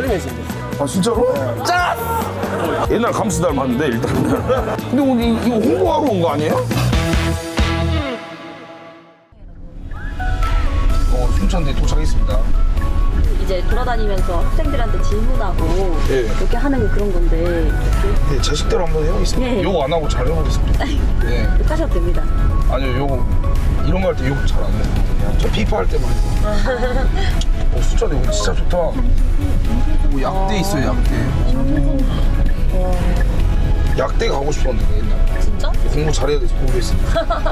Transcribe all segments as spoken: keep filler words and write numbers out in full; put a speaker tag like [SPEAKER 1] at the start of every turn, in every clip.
[SPEAKER 1] 매진됐어요.
[SPEAKER 2] 아 진짜로? 네. 짠! 옛날 감스 닮았는데 일단은. 근데 오늘 이- 이거 홍보하러 온 거 아니에요? 어, 순천대 도착했습니다.
[SPEAKER 3] 이제 돌아다니면서 학생들한테 질문하고
[SPEAKER 2] 예.
[SPEAKER 3] 이렇게 하는 그런 건데
[SPEAKER 2] 네, 제 식대로 한번 해보겠습니다.
[SPEAKER 3] 네.
[SPEAKER 2] 욕 안 하고 잘 해보겠습니다. 네.
[SPEAKER 3] 하셔도 됩니다.
[SPEAKER 2] 아니요, 욕 이런 거 할 때 욕 잘 안 해요. 그냥 저 피파 할 때만 해요. 어, 순천대 오늘 진짜 좋다. 오, 약대 있어요, 약대. 약대 가고 싶었는데 옛날에.
[SPEAKER 3] 진짜?
[SPEAKER 2] 공부 잘해야 돼서 공부했습니다.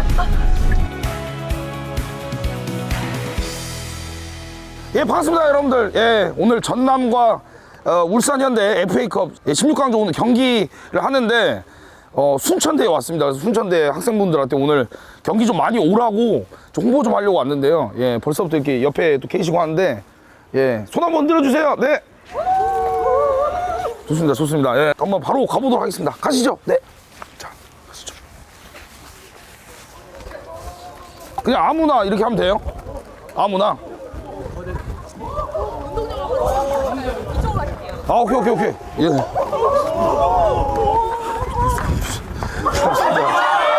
[SPEAKER 2] 예, 반갑습니다, 여러분들. 예, 오늘 전남과 어, 울산현대 에프에이컵 십육 강조 오늘 경기를 하는데 어, 순천대에 왔습니다. 그래서 순천대 학생분들한테 오늘 경기 좀 많이 오라고 좀 홍보 좀 하려고 왔는데요. 예, 벌써부터 이렇게 옆에 또 계시고 하는데 예, 손 한번 들어주세요. 네. 좋습니다, 좋습니다. 예, 한번 바로 가보도록 하겠습니다. 가시죠. 네. 자, 가시죠. 그냥 아무나 이렇게 하면 돼요. 아무나. 아, 오케이, 오케이, 오케이. 예. 고맙습니다.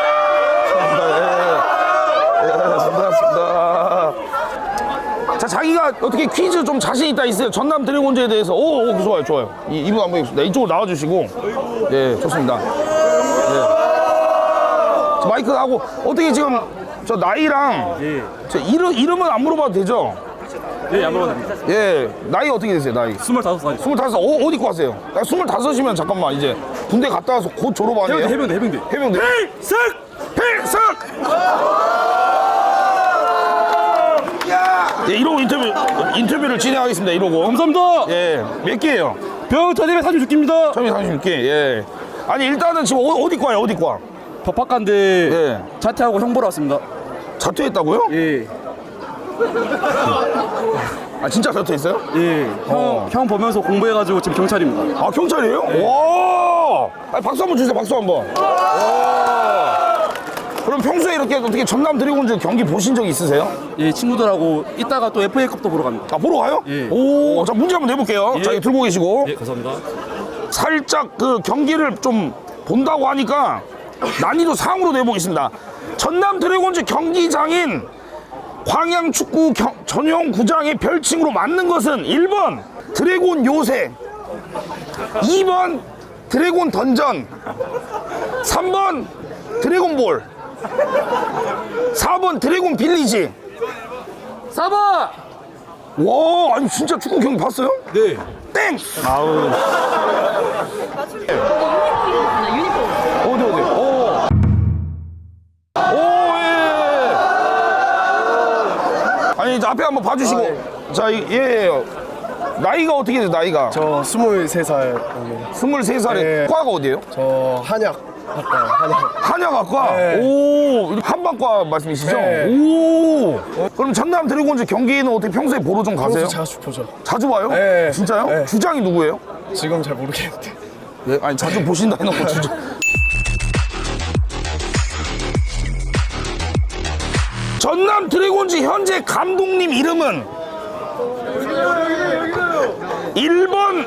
[SPEAKER 2] 예, 예, 고맙습니다. 자, 자기가 어떻게 퀴즈 좀 자신 있다 있어요? 전남 드래곤즈에 대해서. 오, 오, 좋아요, 좋아요. 이, 이분 한번 해보겠습니다. 이쪽으로 나와주시고. 예, 좋습니다. 예. 자, 마이크 하고, 어떻게 지금 저 나이랑
[SPEAKER 4] 예.
[SPEAKER 2] 저 이름, 이름은 안 물어봐도 되죠?
[SPEAKER 4] 예, 안 먹어도 됩니다.
[SPEAKER 2] 예, 나이 어떻게 되세요, 나이?
[SPEAKER 4] 스물다섯 살이요.
[SPEAKER 2] 스물다섯, 어, 어디 거 하세요? 야, 스물다섯이면 잠깐만, 이제 군대 갔다 와서 곧 졸업 아니에요?
[SPEAKER 4] 해병대, 해병대, 해병대.
[SPEAKER 2] 해병대?
[SPEAKER 4] 필승!
[SPEAKER 2] 필승! 예, 이러고 인터뷰, 인터뷰를 진행하겠습니다, 이러고.
[SPEAKER 4] 감사합니다.
[SPEAKER 2] 예, 몇 개예요?
[SPEAKER 4] 병 터집에 삼십육 개입니다.
[SPEAKER 2] 처음에 삼십육 개, 예. 아니, 일단은 지금 어, 어디 과예요, 어디 과?
[SPEAKER 4] 법학과인데
[SPEAKER 2] 예.
[SPEAKER 4] 자퇴하고 형 보러 왔습니다.
[SPEAKER 2] 자퇴했다고요?
[SPEAKER 4] 예.
[SPEAKER 2] 아, 진짜 자퇴했어요?
[SPEAKER 4] 예. 형,
[SPEAKER 2] 어.
[SPEAKER 4] 형 보면서 공부해가지고 지금 경찰입니다.
[SPEAKER 2] 아, 경찰이에요? 와! 아니, 박수 한번 주세요, 박수 한 번. 와! 그럼 평소에 이렇게 어떻게 전남 드래곤즈 경기 보신 적 있으세요?
[SPEAKER 4] 예, 친구들하고 이따가 또 에프에이컵도 보러 갑니다.
[SPEAKER 2] 아, 보러 가요?
[SPEAKER 4] 예.
[SPEAKER 2] 오, 자, 문제 한번 내볼게요.
[SPEAKER 4] 예.
[SPEAKER 2] 자, 이거 들고 계시고.
[SPEAKER 4] 예, 감사합니다.
[SPEAKER 2] 살짝 그 경기를 좀 본다고 하니까 난이도 상으로 내보겠습니다. 전남 드래곤즈 경기장인 광양축구 경- 전용 구장의 별칭으로 맞는 것은 일 번 드래곤 요새, 이 번 드래곤 던전, 삼 번 드래곤볼, 사 번 드래곤 빌리지.
[SPEAKER 4] 사 번!
[SPEAKER 2] 와, 아니 진짜 축구 경기 봤어요?
[SPEAKER 4] 네.
[SPEAKER 2] 땡! 아우.
[SPEAKER 3] 유니폼.
[SPEAKER 2] 어디 어디? 오. 오, 예. 아니 이제 앞에 한번 봐주시고.
[SPEAKER 1] 아, 네.
[SPEAKER 2] 자, 이- 예, 예. 나이가 어떻게 돼요? 나이가?
[SPEAKER 1] 저 스물세 살입니다.
[SPEAKER 2] 스물세 살에
[SPEAKER 1] 네.
[SPEAKER 2] 과가 어디예요?
[SPEAKER 1] 저 한약 학과요. 한약.
[SPEAKER 2] 한양학과.
[SPEAKER 1] 네.
[SPEAKER 2] 오, 한방과 말씀이시죠?
[SPEAKER 1] 네.
[SPEAKER 2] 오. 그럼 전남 드래곤즈 경기는 어떻게 평소에 보러 좀 가세요?
[SPEAKER 1] 평소 자주 보죠.
[SPEAKER 2] 자주 봐요?
[SPEAKER 1] 네.
[SPEAKER 2] 진짜요?
[SPEAKER 1] 네.
[SPEAKER 2] 주장이 누구예요?
[SPEAKER 1] 지금 잘 모르겠는데.
[SPEAKER 2] 예, 아니 자주 보신다 해놓고 주장. 전남 드래곤즈 현재 감독님 이름은 일 번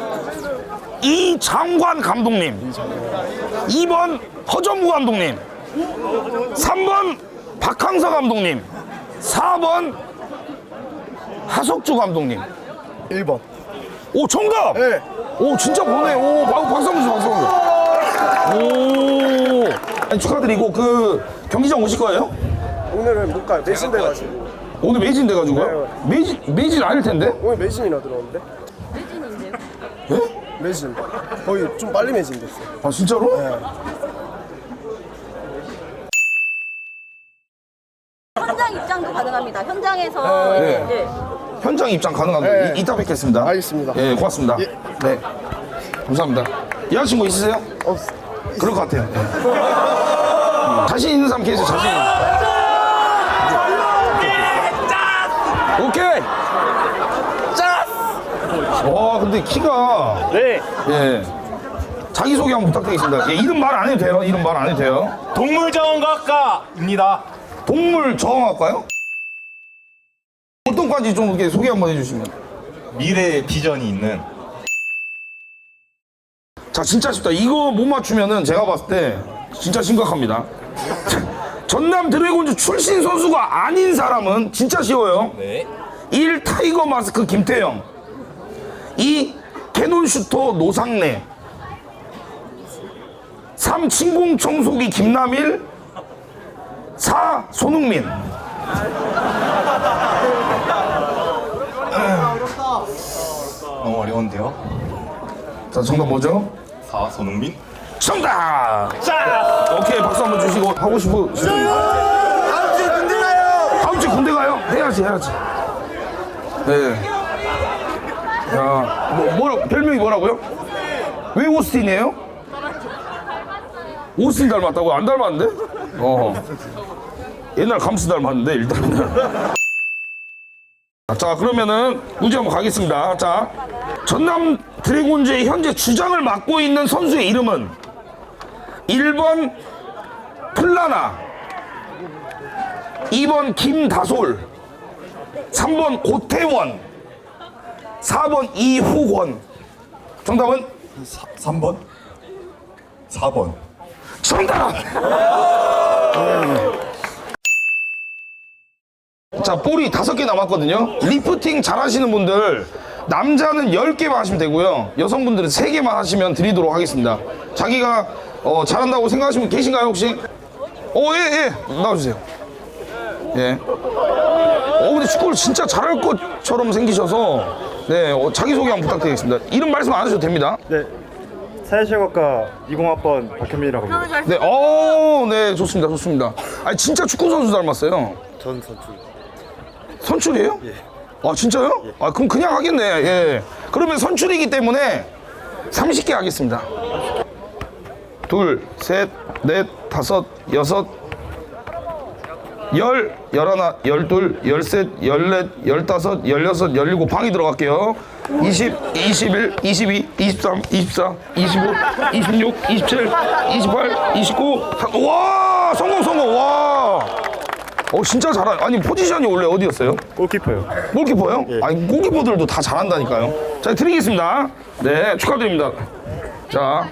[SPEAKER 2] 이장관 감독님, 이 번 허정무 감독님, 삼 번 박항서 감독님, 사 번 하석주 감독님.
[SPEAKER 1] 일 번.
[SPEAKER 2] 오, 정답!
[SPEAKER 1] 네.
[SPEAKER 2] 오, 진짜 보네. 오, 박- 박수 한번 주세요, 박수 한번. 오. 아니, 축하드리고, 그, 경기장 오실 거예요?
[SPEAKER 1] 오늘은 못 가요. 매진 돼가지고.
[SPEAKER 2] 오늘 매진 돼가지고요? 매진, 매진 아닐 텐데?
[SPEAKER 1] 오늘 매진이나 들어오는데?
[SPEAKER 3] 매진인데요?
[SPEAKER 2] 예?
[SPEAKER 1] 매진. 거의 좀 빨리 매진 됐어요.
[SPEAKER 2] 아, 진짜로?
[SPEAKER 1] 네.
[SPEAKER 3] 현장 입장도 가능합니다. 현장에서 이제
[SPEAKER 2] 네.
[SPEAKER 3] 네.
[SPEAKER 2] 현장 입장 가능합니다.
[SPEAKER 1] 네.
[SPEAKER 2] 이, 이따 뵙겠습니다.
[SPEAKER 1] 알겠습니다.
[SPEAKER 2] 예, 고맙습니다.
[SPEAKER 1] 예.
[SPEAKER 2] 네. 감사합니다. 여자친구 있으세요?
[SPEAKER 1] 없.
[SPEAKER 2] 그럴 것 같아요. 네. 자신 있는 사람 계세요, 자신 있는 사람. 오케이! 짠! 와, 근데 키가.
[SPEAKER 4] 네.
[SPEAKER 2] 예. 자기소개 한번 부탁드리겠습니다. 예, 이름 말 안 해도 돼요? 이름 말 안 해도 돼요?
[SPEAKER 4] 동물자원과학과입니다.
[SPEAKER 2] 동물정형학과요? 어떤 과인지 좀 이렇게 소개 한번 해주시면.
[SPEAKER 5] 미래의 비전이 있는
[SPEAKER 2] 자, 진짜 쉽다. 이거 못 맞추면은 제가 봤을 때 진짜 심각합니다. 전남 드래곤즈 출신 선수가 아닌 사람은 진짜 쉬워요.
[SPEAKER 5] 네.
[SPEAKER 2] 일. 타이거 마스크 김태형. 이. 캐논 슈터 노상래. 삼. 진공 청소기 김남일. 사. 손흥민.
[SPEAKER 5] 너무 어려운데요?
[SPEAKER 2] 자, 정답 뭐죠?
[SPEAKER 5] 사. 손흥민.
[SPEAKER 2] 정답! 자! 오케이, 박수 한번 주시고 하고 싶어.
[SPEAKER 1] 다음 주에 군대 가요.
[SPEAKER 2] 다음 주에 군대 가요? 해야지, 해야지. 네. 야, 뭐, 뭐라, 별명이 뭐라고요? 왜 오스틴이에요? 오스틴 닮았다고? 안 닮았는데? 어. 옛날 감스 닮았는데, 일단은. 자, 그러면은 문제 한번 가겠습니다. 자, 전남 드래곤즈의 현재 주장을 맡고 있는 선수의 이름은 일 번 플라나, 이 번 김다솔, 삼 번 고태원, 사 번 이후권. 정답은?
[SPEAKER 5] 삼 번. 사 번.
[SPEAKER 2] 정답! 자, 볼이 다섯 개 남았거든요. 리프팅 잘 하시는 분들, 남자는 열 개만 하시면 되고요. 여성분들은 세 개만 하시면 드리도록 하겠습니다. 자기가 어, 잘한다고 생각하시는 분 계신가요, 혹시? 어, 예, 예. 나와주세요. 예. 어, 근데 축구를 진짜 잘할 것처럼 생기셔서, 네, 어, 자기소개 한번 부탁드리겠습니다. 이름 말씀 안 하셔도 됩니다.
[SPEAKER 6] 네, 사회실학과 이십 학번 박현민이라고 합니다.
[SPEAKER 2] 네, 어, 네, 좋습니다, 좋습니다. 아니, 진짜 축구 선수 닮았어요.
[SPEAKER 6] 전 선출.
[SPEAKER 2] 선출이에요? 예. 아, 진짜요? 예. 아, 그럼 그냥 하겠네. 예. 그러면 선출이기 때문에 서른 개 하겠습니다. 둘, 셋, 넷, 다섯, 여섯, 열, 열하나, 열둘, 열셋, 열넷, 열다섯, 열여섯, 열일곱 방이 들어갈게요. 이십, 이십일, 이십이, 이십삼, 이십사, 이십오, 이십육, 이십칠, 이십팔, 이십구. 와, 성공, 성공, 와. 어, 진짜 잘하. 아니, 포지션이 원래 어디였어요?
[SPEAKER 6] 골키퍼요.
[SPEAKER 2] 골키퍼요? 아니, 골키퍼들도 다 잘한다니까요. 자, 드리겠습니다. 네, 축하드립니다. 자,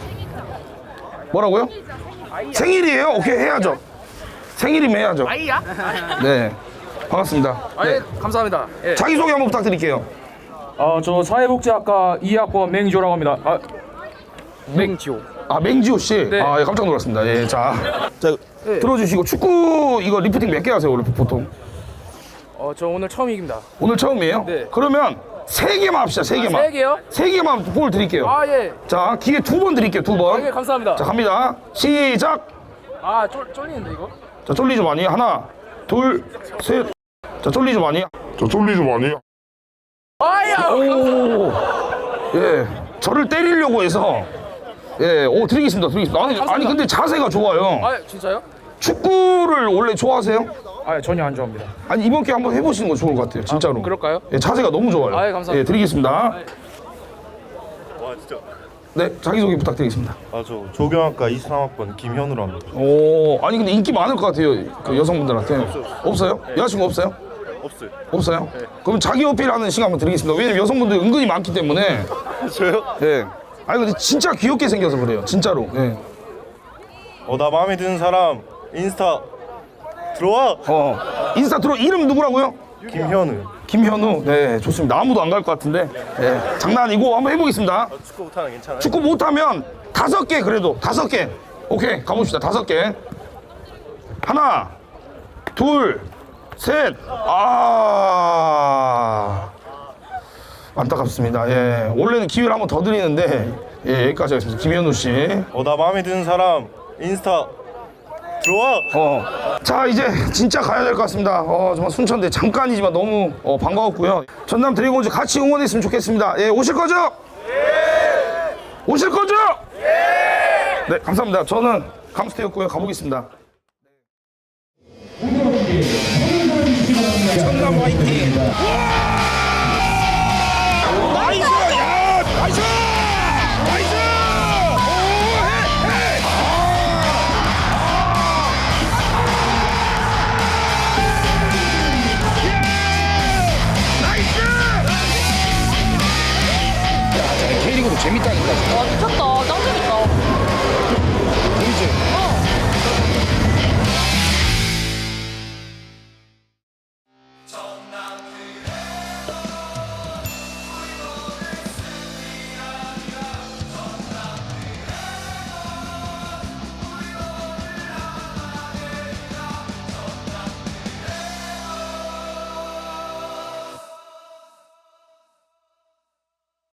[SPEAKER 2] 뭐라고요? 생일이에요? 오케이, 해야죠. 생일이면 해야죠.
[SPEAKER 7] 아이야?
[SPEAKER 2] 네, 반갑습니다. 네.
[SPEAKER 7] 예, 감사합니다. 예.
[SPEAKER 2] 자기소개 한번 부탁드릴게요.
[SPEAKER 7] 어, 저 사회복지학과 이 학번 맹지호라고 합니다. 아, 맹지호.
[SPEAKER 2] 아, 맹지호 씨?
[SPEAKER 7] 네.
[SPEAKER 2] 아, 예, 깜짝 놀랐습니다. 예, 자, 자, 들어주시고, 축구 이거 리프팅 몇 개 하세요, 원래 보통?
[SPEAKER 7] 어, 저 오늘 처음입니다.
[SPEAKER 2] 오늘 처음이에요?
[SPEAKER 7] 네.
[SPEAKER 2] 그러면 세 개만 합시다, 세 개만.
[SPEAKER 7] 세 개요?
[SPEAKER 2] 세 개만 볼 드릴게요.
[SPEAKER 7] 아, 예.
[SPEAKER 2] 자, 기회 두 번 드릴게요, 두 번.
[SPEAKER 7] 예, 감사합니다.
[SPEAKER 2] 자, 갑니다. 시작!
[SPEAKER 7] 아, 쫄, 쫄리는데 이거?
[SPEAKER 2] 자, 쫄리지 많이. 하나, 둘, 셋. 자, 쫄리지 많이. 자, 쫄리지 많이.
[SPEAKER 7] 아야!
[SPEAKER 2] 오, 예, 저를 때리려고 해서, 예, 오, 드리겠습니다, 드리겠습니다. 아니, 아니 근데 자세가 좋아요.
[SPEAKER 7] 아, 진짜요?
[SPEAKER 2] 축구를 원래 좋아하세요?
[SPEAKER 7] 아, 전혀 안 좋아합니다.
[SPEAKER 2] 아니, 이번 기회에 한번 해보시는 거 좋을 것 같아요, 진짜로.
[SPEAKER 7] 아, 그럴까요?
[SPEAKER 2] 예, 자세가 너무 좋아요.
[SPEAKER 7] 아, 예, 감사합니다.
[SPEAKER 2] 예, 드리겠습니다.
[SPEAKER 6] 와, 진짜.
[SPEAKER 2] 네, 자기소개 부탁드리겠습니다.
[SPEAKER 6] 아, 저 조경학과 이십삼 학번 김현우로 합니다.
[SPEAKER 2] 오, 아니 근데 인기 많을 것 같아요, 그 여성분들한테. 없어요? 여자친구 없어요?
[SPEAKER 6] 없어요.
[SPEAKER 2] 없어요? 그럼 자기 어필하는 시간 한번 드리겠습니다. 왜냐면 여성분들 은근히 많기 때문에.
[SPEAKER 6] 저요?
[SPEAKER 2] 예. 아니 근데 진짜 귀엽게 생겨서 그래요, 진짜로. 예.
[SPEAKER 6] 어, 나 마음에 드는 사람 인스타 들어와.
[SPEAKER 2] 어, 인스타 들어. 이름 누구라고요?
[SPEAKER 6] 김현우.
[SPEAKER 2] 김현우. 네, 좋습니다. 아무도 안 갈 것 같은데. 네, 장난 아니고 한번 해보겠습니다.
[SPEAKER 6] 축구 못하는 괜찮아요?
[SPEAKER 2] 축구 못하면 다섯 개 그래도 다섯 개. 오케이, 가봅시다. 다섯 개. 하나, 둘, 셋. 아, 안타깝습니다. 예, 원래는 기회를 한번 더 드리는데 예, 여기까지 하겠습니다. 김현우 씨.
[SPEAKER 6] 어, 나 마음에 드는 사람 인스타 들어와.
[SPEAKER 2] 어, 자 이제 진짜 가야 될 것 같습니다. 어, 정말 순천대 잠깐이지만 너무 어, 반가웠고요. 전남 드래곤즈 같이 응원했으면 좋겠습니다. 예, 오실 거죠? 예. 오실 거죠? 예. 네, 감사합니다. 저는 감스테였고요. 가보겠습니다. 전남 화이팅! 나이스! 야, 나이스! 나이스! 오, 헤, 헤! K리그도 재밌다니까.
[SPEAKER 3] 와, 미쳤다. 나